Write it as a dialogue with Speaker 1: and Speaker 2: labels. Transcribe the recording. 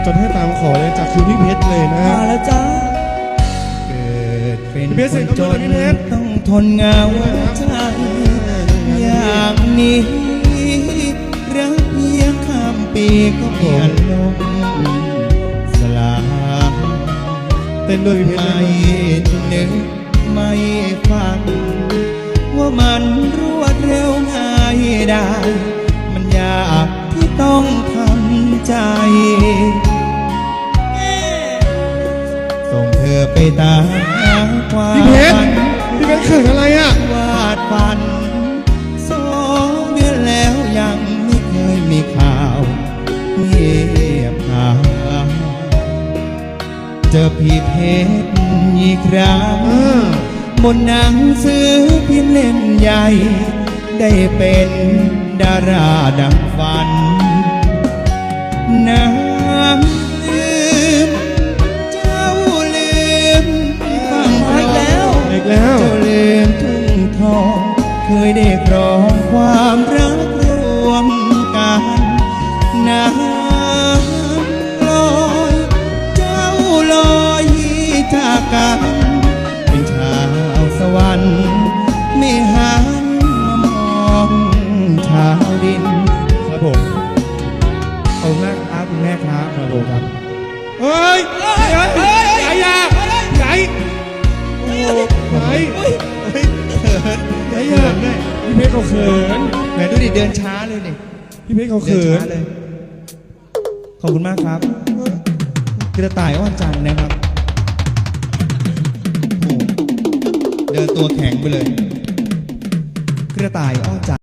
Speaker 1: จดให้ตามขอเลยจากคุณพี่เพชรเลยนะ
Speaker 2: มาแล้วจ้าเกิดเป็นคนจนต้องทนเหงาใจอย่างนี้รักเพียงข้ามปีก็เปลี่ยนลมสลาย
Speaker 1: เต้นด้วยพี่เพชร
Speaker 2: ไม่นึกไม่ฟังว่ามันรวดเร็วง่ายได้มันยากที่ต้องทำใจส่งเธอไปตามหาความ
Speaker 1: พี่เพชร
Speaker 2: ฝัน
Speaker 1: พี่เพชรเขินอะไรอ่ะ
Speaker 2: วาดฝัน2 เดือนแล้วยังไม่เคยมีข่าวเงียบหายเจอพี่เพชรอีกครั้งบนหนังสือพิมพ์เล่มใหญ่ ได้เป็นดาราดังฝันน้ำลืมเจ้าลืมฟังเพลงแล้ว
Speaker 1: อีกแล้ว
Speaker 2: เจ้าลืมทุ่งทองเคยได้ครองความรักรวมกันน้ำลอยเจ้าลอยจากกันเป็นชาวสวรรค์ไม่หันมามองชาวดิน
Speaker 1: ครับผม
Speaker 2: ขอบคุณมากครับคุณแม่ครับครับผมครับ
Speaker 1: เฮ้ยใหญ่ใหญ่ใหญ่โอ้ใหญ่ใหญ่ใหญ่พี่เพชรเขาเขิน
Speaker 2: แหมดูดิเดินช้าเลยนี่
Speaker 1: พี่เพชรเขา
Speaker 2: เดิน
Speaker 1: เขิน
Speaker 2: ช้าเลยขอบคุณมากครับกระต่ายอ้อนจันทร์นะครับโอ้เดินตัวแข็งไปเลยกระต่ายอ้อนจันทร์